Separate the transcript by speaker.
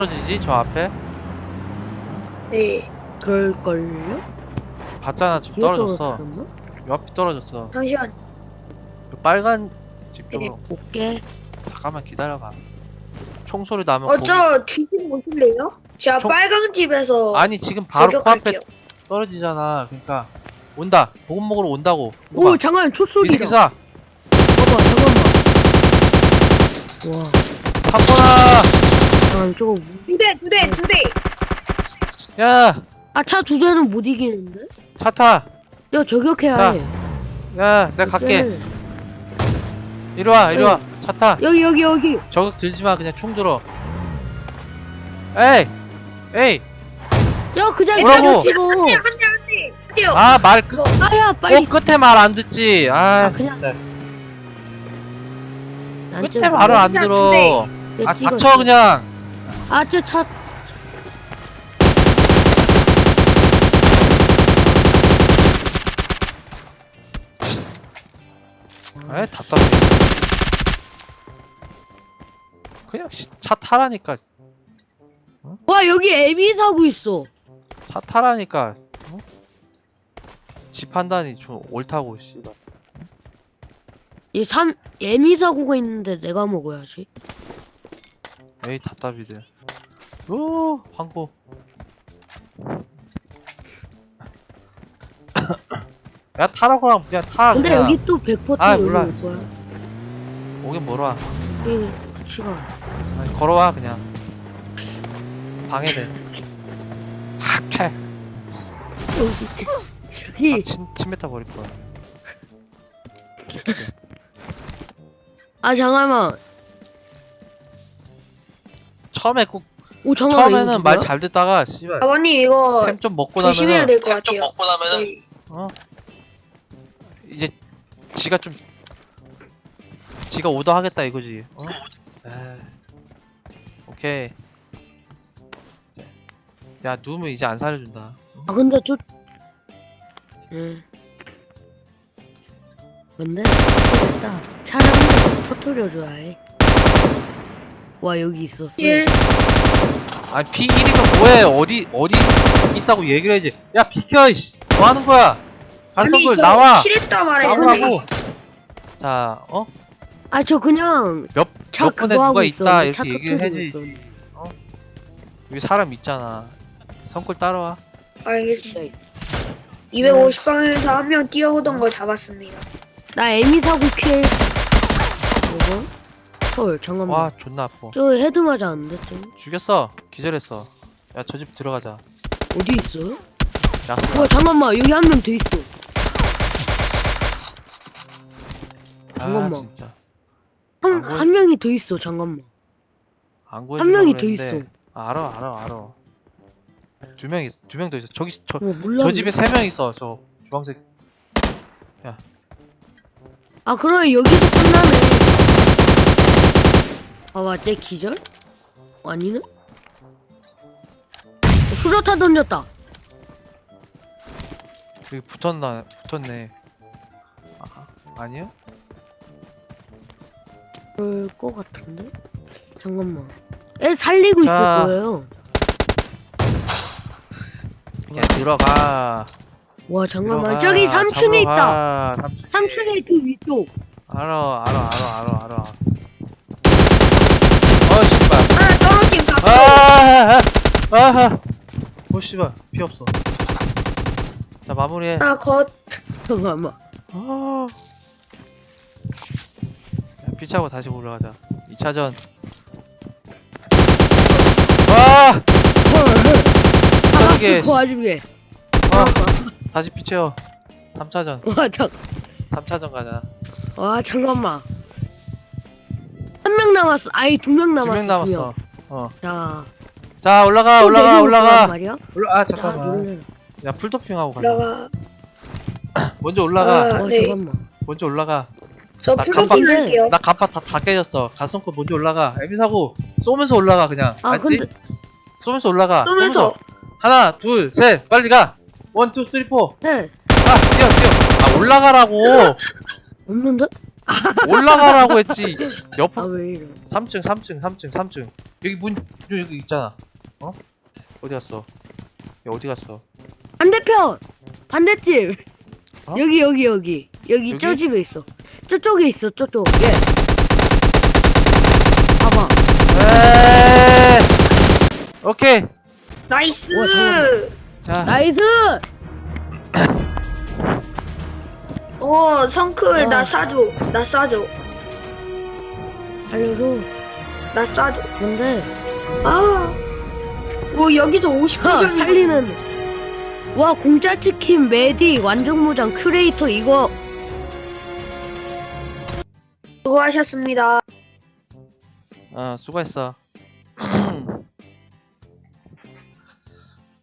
Speaker 1: 떨어지지 저 앞에?
Speaker 2: 네.
Speaker 3: 그럴걸요?
Speaker 1: 봤잖아 집
Speaker 3: 뒤에
Speaker 1: 떨어졌어.
Speaker 3: 떨어졌나?
Speaker 1: 요 앞에 떨어졌어.
Speaker 2: 잠시만.
Speaker 1: 요 빨간 집 쪽으로.
Speaker 3: 볼게.
Speaker 1: 잠깐만 기다려봐. 총소리 나면 거기.
Speaker 2: 저 뒤집 보실래요? 제가
Speaker 1: 총-
Speaker 2: 빨간 집에서
Speaker 1: 아니 지금 바로 코앞에
Speaker 2: 저격할게요.
Speaker 1: 떨어지잖아. 그러니까 온다. 보급 먹으러 온다고. 이거
Speaker 3: 오
Speaker 1: 봐.
Speaker 3: 잠깐
Speaker 1: 이
Speaker 3: 촛소리다.
Speaker 1: 새끼 쏴.
Speaker 3: 봐봐 잠깐만. 와
Speaker 1: 3번아.
Speaker 3: 잠깐 저거
Speaker 2: 두 대.
Speaker 1: 야.
Speaker 3: 아차 두 대는 못 이기는데?
Speaker 1: 차 타.
Speaker 3: 야 저격해야
Speaker 1: 자,
Speaker 3: 해.
Speaker 1: 야 내가 갈게.
Speaker 3: 네.
Speaker 1: 이리 와 이리 와. 차 타.
Speaker 3: 여기.
Speaker 1: 저격 들지마. 그냥 총 들어. 에이. 에이.
Speaker 3: 야 그냥
Speaker 1: 뭐라고?
Speaker 3: 찍어.
Speaker 2: 한 대. 하세요.
Speaker 1: 아 말 끝.
Speaker 3: 아야 빨리.
Speaker 1: 끝에 말 안 듣지. 아
Speaker 3: 그냥-
Speaker 1: 진짜.
Speaker 3: 난
Speaker 1: 끝에
Speaker 3: 좀-
Speaker 1: 말을 안
Speaker 2: 진짜
Speaker 1: 들어.
Speaker 3: 저
Speaker 1: 아
Speaker 3: 찍어,
Speaker 1: 닥쳐
Speaker 3: 찍어.
Speaker 1: 그냥.
Speaker 3: 아 저 차.
Speaker 1: 에이 답답해. 그냥 차 타라니까.
Speaker 3: 와 여기 애비 사고 있어.
Speaker 1: 차 타라니까. 어? 집 판단이 좀 옳다고 씨발.
Speaker 3: 이 애미 사고가 있는데 내가 먹어야지.
Speaker 1: 에이 답답이들. 오 황고. 야 타라고 그냥 타.
Speaker 3: 근데
Speaker 1: 그냥.
Speaker 3: 여기 또 100%
Speaker 1: 아,
Speaker 3: 여기
Speaker 1: 몰라.
Speaker 3: 올 거야.
Speaker 1: 오긴 멀어.
Speaker 3: 우리 같이 가.
Speaker 1: 아니, 걸어와 그냥. 방해돼. 학해.
Speaker 3: 저기
Speaker 1: 침뱉어 버릴 거야.
Speaker 3: 아 잠깐만.
Speaker 1: 처음에 꼭
Speaker 3: 오 잠깐만.
Speaker 1: 처음에는 말 잘 듣다가 씨발
Speaker 2: 아버님 이거
Speaker 1: 템 좀 먹고
Speaker 2: 조심해야
Speaker 1: 나면은
Speaker 2: 될 것 같아요. 저희
Speaker 1: 어 이제 지가 좀 지가 오더 하겠다 이거지. 어? 에이. 오케이. 야 누우면 이제 안 살려준다.
Speaker 3: 아 근데 저 근데 됐다. 차를 한번 터트려줘야 해. 와 여기 있었어.
Speaker 2: 1
Speaker 1: 아니 P1이면 뭐해? 어디 있다고 얘기를 해야지. 야 비켜 이씨. 뭐 하는 거야? 간성글 나와.
Speaker 2: 킬했다 말했는데.
Speaker 1: 나오라고. 자 어?
Speaker 3: 아 저 그냥
Speaker 1: 몇
Speaker 3: 차
Speaker 1: 몇 분에
Speaker 3: 그거 하고
Speaker 1: 누가 있다
Speaker 3: 있었는데, 차
Speaker 1: 이렇게 얘기를
Speaker 3: 터트리고
Speaker 1: 해야지.
Speaker 3: 있었는데.
Speaker 1: 여기 사람 있잖아. 성골 따라와.
Speaker 2: 알겠습니다. 250방에서 한 명 뛰어오던 걸 잡았습니다.
Speaker 3: 나 애미 사고 킬. 이거? 헐 잠깐만.
Speaker 1: 와 존나 아파.
Speaker 3: 저 헤드 맞았는데 좀
Speaker 1: 죽였어. 기절했어. 야 저 집 들어가자.
Speaker 3: 어디 있어요?
Speaker 1: 약속.
Speaker 3: 와 잠깐만 여기 한 명 더 있어.
Speaker 1: 아
Speaker 3: 잠깐만.
Speaker 1: 진짜.
Speaker 3: 한 명이 더 있어. 잠깐만.
Speaker 1: 안
Speaker 3: 한 명이 더
Speaker 1: 그랬는데.
Speaker 3: 있어.
Speaker 1: 알아. 두 명 더 있어. 저기
Speaker 3: 몰라.
Speaker 1: 저 집에 3명 있어. 저 주황색.
Speaker 3: 아 그럼 여기서 끝나네. 아 맞지 기절? 아니네? 수류탄 던졌다.
Speaker 1: 여기 붙었네. 아니야?
Speaker 3: 그럴 것 같은데? 잠깐만. 애 살리고 있을
Speaker 1: 자.
Speaker 3: 거예요.
Speaker 1: 그냥 들어가.
Speaker 3: 와 잠깐만.
Speaker 1: 들어가.
Speaker 3: 저기 3층에 있다.
Speaker 1: 잡으러 가.
Speaker 3: 3층에 그 위쪽.
Speaker 1: 알아. 씨발.
Speaker 2: 아 떨어짐
Speaker 1: 아. 오 씨발. 피 없어. 자 마무리해.
Speaker 3: 잠깐만.
Speaker 1: 아. 피 차고 다시 올라가자. 2차전. 와! 저기.
Speaker 3: 그 와중에.
Speaker 1: 와! 다시 피 채워. 3차전.
Speaker 3: 와
Speaker 1: 3차전 가자.
Speaker 3: 와 잠깐만. 한 명 남았어. 아니 2명 남았어.
Speaker 1: 2명 남았어.
Speaker 3: 자.
Speaker 1: 자, 올라가.
Speaker 3: 또 내려올 거란
Speaker 1: 올라가.
Speaker 3: 말이야?
Speaker 1: 아,
Speaker 3: 자,
Speaker 1: 잠깐만.
Speaker 3: 놀래라.
Speaker 1: 야, 풀도핑하고 가자.
Speaker 2: 올라가.
Speaker 1: 먼저 올라가.
Speaker 2: 아, 네.
Speaker 3: 잠깐만.
Speaker 1: 먼저 올라가.
Speaker 2: 저
Speaker 1: 나
Speaker 2: 풀도핑
Speaker 3: 깜빡-
Speaker 2: 할게요.
Speaker 1: 나 간판 다 깨졌어. 가슴코 먼저 올라가. 에비사고 쏘면서 올라가 그냥.
Speaker 3: 아
Speaker 1: 알지?
Speaker 3: 근데
Speaker 1: 쏘면서 올라가.
Speaker 2: 쏘면서.
Speaker 1: 하나, 둘, 셋. 빨리 가. 1, 2, 3, 4.
Speaker 3: 네
Speaker 1: 아, 뛰어. 아, 올라가라고.
Speaker 3: 없는데?
Speaker 1: 올라가라고 했지. 옆으로.
Speaker 3: 왜 이래?
Speaker 1: 3층. 여기 문 여기 있잖아. 어? 어디 갔어? 야, 어디 갔어?
Speaker 3: 반대편! 반대집!
Speaker 1: 어?
Speaker 3: 여기 저
Speaker 1: 여기?
Speaker 3: 집에 있어. 저쪽에 있어, 저쪽. 예. 봐봐.
Speaker 1: 에이. 오케이.
Speaker 2: 나이스.
Speaker 3: 우와, 잠깐만.
Speaker 1: 자.
Speaker 3: 나이스!
Speaker 2: 성클
Speaker 3: 어.
Speaker 2: 나 쏴줘.
Speaker 3: 알려줘.
Speaker 2: 나 쏴줘.
Speaker 3: 뭔데?
Speaker 2: 여기서 59점이
Speaker 3: 살리는. 와, 공짜 치킨, 메딕, 완전무장, 큐레이터, 이거.
Speaker 2: 수고하셨습니다.
Speaker 1: 수고했어.